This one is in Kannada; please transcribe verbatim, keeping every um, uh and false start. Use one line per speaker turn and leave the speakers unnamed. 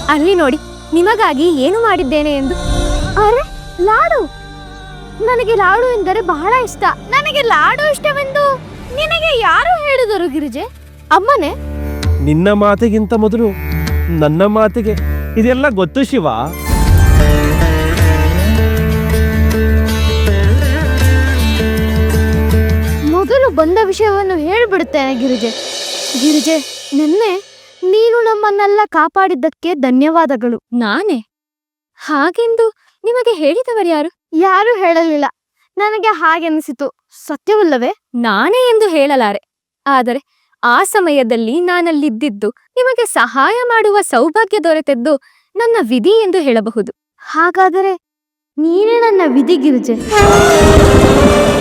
ಅಲ್ಲಿ ನೋಡಿ, ನಿಮಗಾಗಿ ಏನು ಮಾಡಿದ್ದೇನೆ ಎಂದು. ಅರೆ, ಲಾಡು! ನನಗೆ ಲಾಡು ಎಂದರೆ ಬಹಳ ಇಷ್ಟ. ನನಗೆ ಲಾಡು ಇಷ್ಟವೆಂದು ನಿನಗೆ ಯಾರು ಹೇಳಿದರು ಗಿರಿಜೆ? ಅಮ್ಮನೇ?
ನಿನ್ನ ಮಾತಿಗಿಂತ ಮೊದಲು ನನ್ನ ಮಾತಿಗೆ ಇದೆಲ್ಲ ಗೊತ್ತು ಶಿವ.
ಮೊದಲು ಬಂದ ವಿಷಯವನ್ನು ಹೇಳಿಬಿಡುತ್ತೇನೆ ಗಿರಿಜೆ. ಗಿರಿಜೆ, ನಿನ್ನೆ ನೀನು ನಮ್ಮನ್ನೆಲ್ಲ ಕಾಪಾಡಿದ್ದಕ್ಕೆ ಧನ್ಯವಾದಗಳು. ನಾನೇ? ಹಾಗೆಂದು ನಿಮಗೆ ಹೇಳಿದವರು ಯಾರು? ಯಾರು ಹೇಳಲಿಲ್ಲ. ನನಗೆ ಹಾಗೆನಿಸಿತು. ಸತ್ಯವಲ್ಲವೇ? ನಾನೇ ಎಂದು ಹೇಳಲಾರೆ. ಆದರೆ ಆ ಸಮಯದಲ್ಲಿ ನಾನಲ್ಲಿದ್ದಿದ್ದು ನಿಮಗೆ ಸಹಾಯ ಮಾಡುವ ಸೌಭಾಗ್ಯ ದೊರೆತದ್ದು ನನ್ನ ವಿಧಿ ಎಂದು ಹೇಳಬಹುದು. ಹಾಗಾದರೆ ನೀನೇ ನನ್ನ ವಿಧಿ ಗಿರಿಜೆ.